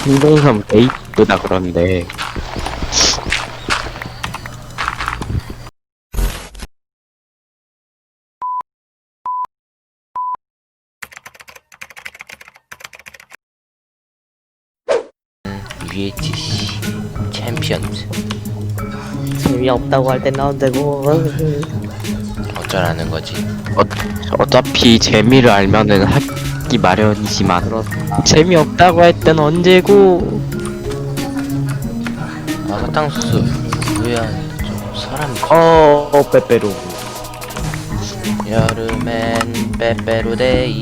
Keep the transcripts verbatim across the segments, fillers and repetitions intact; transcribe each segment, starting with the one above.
신동섬 베이크다 그런데 유에이티씨 챔피언즈 재미없다고 할 땐 나온 되고 어쩌라는 거지? 어, 어차피 재미를 알면은 하기 마련이지만 그렇다. 재미없다고 할 땐 언제고. 아 사탕수수 뭐야 좀 사람이 어, 어 빼빼로. 여름엔 빼빼로데이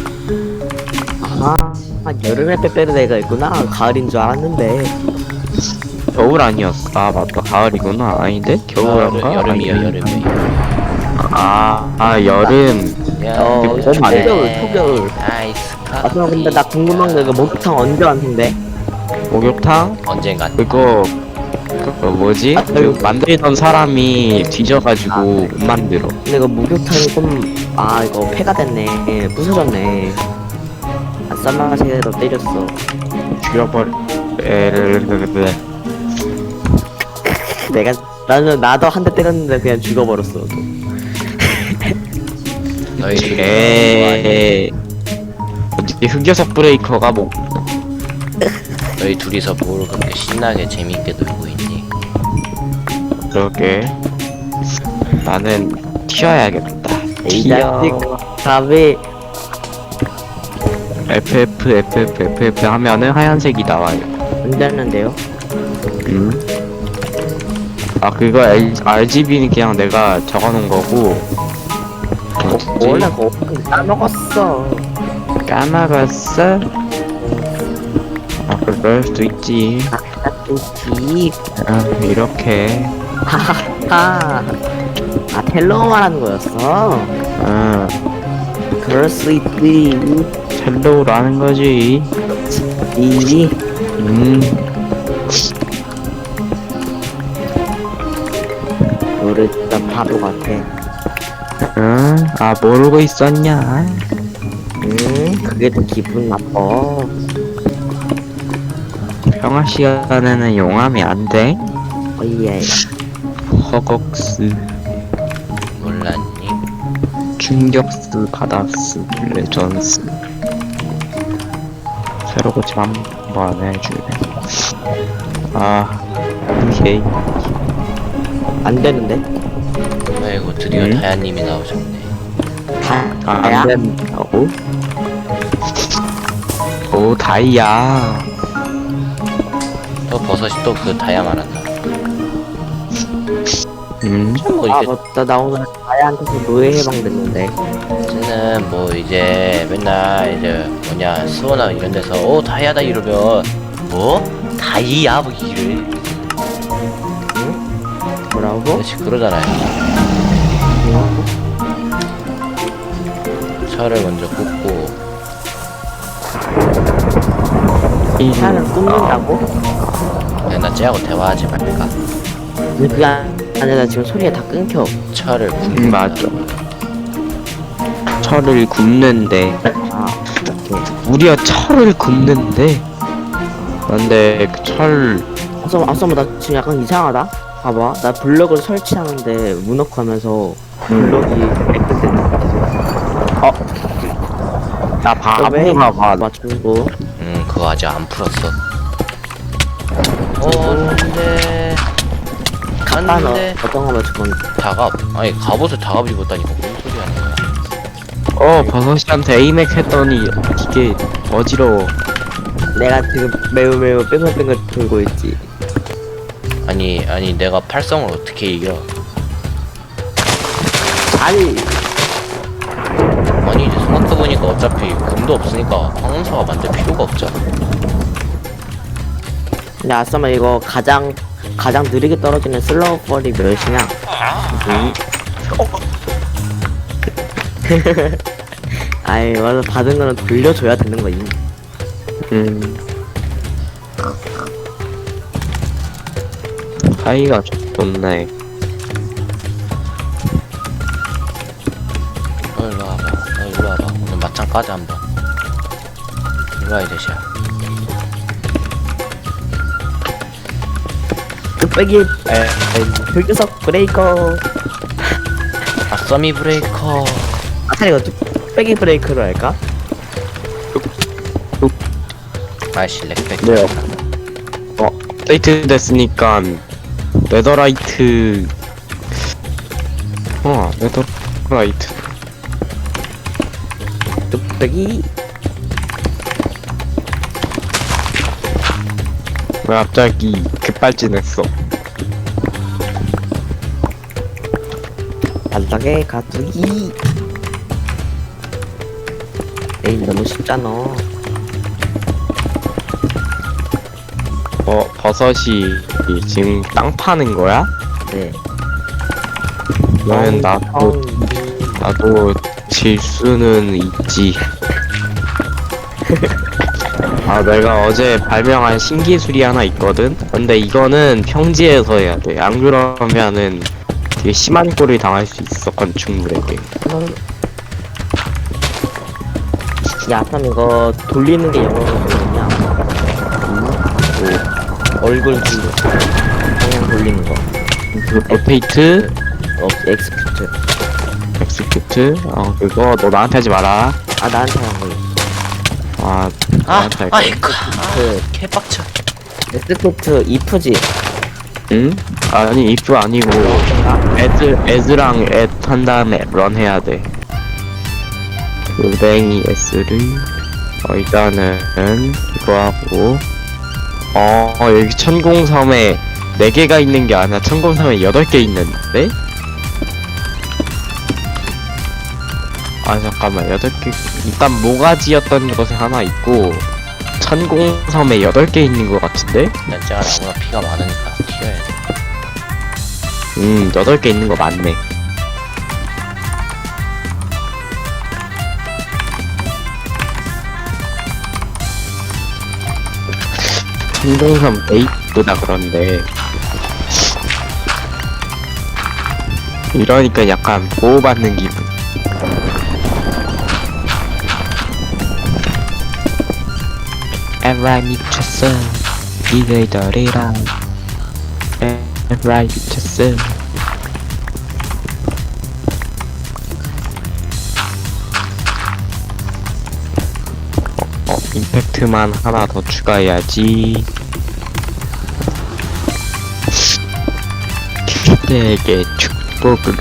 아, 아 여름에 빼빼로데이가 있구나. 가을인 줄 알았는데. 겨울 아니었어. 아 맞다, 가을이구나. 아닌데? 겨울인가? 여름이요 아니, 여름이 아, 아 여름. 어, 봄 아니야? 초겨울, 초겨울. 아이스 아, 커피 근데 나 궁금한 거 이거 목욕탕 언제 왔는데? 목욕탕? 언젠간 그거 그거 뭐지? 아, 그 만들던 사람이 뒤져가지고 아, 못 만들어. 근데 이거 목욕탕이 좀, 아, 이거 폐가 됐네. 부서졌네. 아, 쌈마시에도 때렸어. 죽여버려. 에르르르르. 내가, 나는, 나도 한 대 때렸는데 그냥 죽어버렸어. 또. 너희 둘이 에. 어떻게 흑여석 브레이커가 뭐? 너희 둘이서 뭘 그렇게 신나게 재미있게 놀고 있니? 그러게. 나는 튀어야겠다. 이 튀어. 자식, 답이, 에프에프 에프에프 에프에프 하면은 하얀색이 나와요. 언제 했는데요? 음. 아 그거 L, 알지비는 그냥 내가 적어놓은 거고. 어, 원래 그거 까먹었어. 까먹었어? 아 그럴 수도 있지. 좋지. 아 이렇게. 하하하. 아, 텔로 말하는 거였어? 아 그럴 수 있지. 첼로라는 거지. 이, 음. 너를 진짜 바보 같아. 응? 아 모르고 있었냐? 응? 그게 더 기분 나빠. 평화 시간에는 용암이 안 돼? 어이예. 허걱스 몰랐니? 충격스 받았스 레전스 새로 고침 한번 해주네. 아 오케이. 안 되는데? 아이고 드디어 음? 다야님이 나오셨네. 다, 아, 다야? 안 된다고? 오 다이아. 또 버섯이 또 그 다야 말한다. 음 뭐 아, 이제 맞다. 나 오늘 다야한테서 노예 해방됐는데. 쟤는 뭐 이제 맨날 이제 뭐냐 수원아 이런 데서 오 다이아다 이러면 뭐 다이아 뭐 이래 뭐라고? 그렇지 그러잖아요. 철을 먼저 굽고 사람을 굽는다고? 그냥 나 쟤하고 대화하지 말까. 근데 그게 아니라 지금 소리가 다 끊겨. 철을 굽는 음, 맞아. 철을 굽는데 아, 오케이. 우리가 철을 굽는데 근데 그철 아싸, 아싸, 나 지금 약간 이상하다? 봐봐. 나 블럭을 설치하는데 문어크하면서 블럭이 빽빽빽 어? 나 바보가 봐. 맞추고. 음 그거 아직 안 풀었어. 어 안돼 아, 너 안돼 어떤 거 맞출 건데? 다갑 아니 갑옷을 다갑 입었다니까 무슨 소리 하는 거야. 어 버섯이한테 에이맥 했더니 이게 어지러워. 내가 지금 매우 매우 뺑글뺑글 돌고 있지. 아니 아니 내가 팔성을 어떻게 이겨. 아니, 아니 이제 생각해보니까 어차피 금도 없으니까 황금사가 만들 필요가 없잖아. 근데 아싸마 이거 가장 가장 느리게 떨어지는 슬로우 펄이 몇이냐? 음. 아이, 맞아. 받은 거는 돌려줘야 되는 거임. 음. 사이가 좋네. 너 일로 와봐. 너 일로 와봐. 오늘 맞짱 까자 한번. 일로 와 이 자식아. 뚝배기 에 흑유석 브레이커. 아 써미 브레이커. 아 차라리 이거 뚝배기 브레이크로 할까? 아이씨 렉백. 네요. 어, 업데이트 됐으니까 네더라이트. 어, 네더라이트. 뚝배기. 왜 갑자기 급발진했어? 바닥에 가두기. 에이 너무 쉽잖아. 어, 버섯이 지금 땅 파는 거야? 네. 그러면 나도 나도 질 수는 있지. 아, 내가 어제 발명한 신기술이 하나 있거든? 근데 이거는 평지에서 해야 돼. 안 그러면은 되게 심한 꼴을 당할 수 있어, 건축물에게. 야 그럼 이거 돌리는 게 영어로 뭐냐? 오, 얼굴 뷰 방향 돌리는 거. 로테이트, 어 엑스큐트. 엑스큐트, 어, 그거 너 나한테 하지 마라. 아 나한테 한 거. 아, 아 나한테 할 거야. 아이고. 아, 그 개빡쳐. 엑스큐트 이프지. 응? 아니, if 아니고, as, as랑 at 한 다음에 run 해야 돼. 은행이 s를, 어, 일단은, 이거 하고, 어, 여기 천공섬에 네 개가 있는 게 아니라 천공섬에 여덟 개 있는데? 아, 잠깐만, 여덟 개, 일단 모가지였던 것에 하나 있고, 천공섬에 여덟 개 있는 것 같은데? 난자가 나보다 피가 많으니까 튀어야 돼. 음, 여덟 개 있는 거 맞네. 천공섬 에이트다 그런데. 이러니까 약간 보호받는 기분. 에라이 미쳤어. 이들이더리라. 에라이 미쳤어. 어, 임팩트만 하나 더 추가해야지. 그대에게 축복을.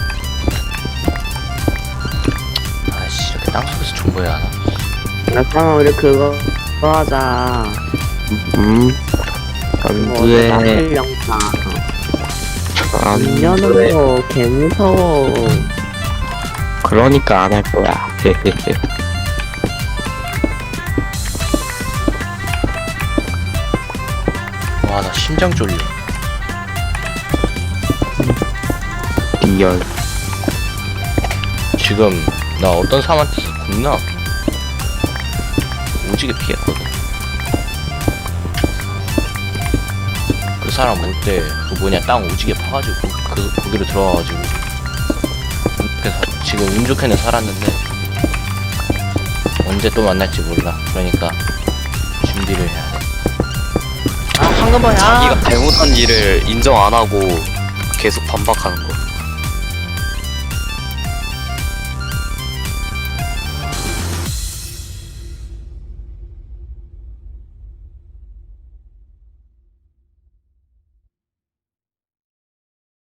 아이씨 이렇게 땅속에서 존버해야 하나? 나 그러면 우리 그거 그거 하자. 음, 안 돼. 나팔 영상. 안 문 돼. 여는 거 개 무서워. 그러니까 안 할 거야. 헤헤헤. 와 나 심장 쫄려. 리얼. 지금 나 어떤 사람한테 겁나 오지게 피했거든. 그 사람 올 때 그 뭐냐 땅 오지게 파가지고 그, 그 거기로 들어가가지고 그래서 지금 운 좋게는 살았는데 언제 또 만날지 몰라. 그러니까 준비를 해야 돼. 아 황금어야. 자기가 잘못한 일을 인정 안 하고 계속 반박하는 거.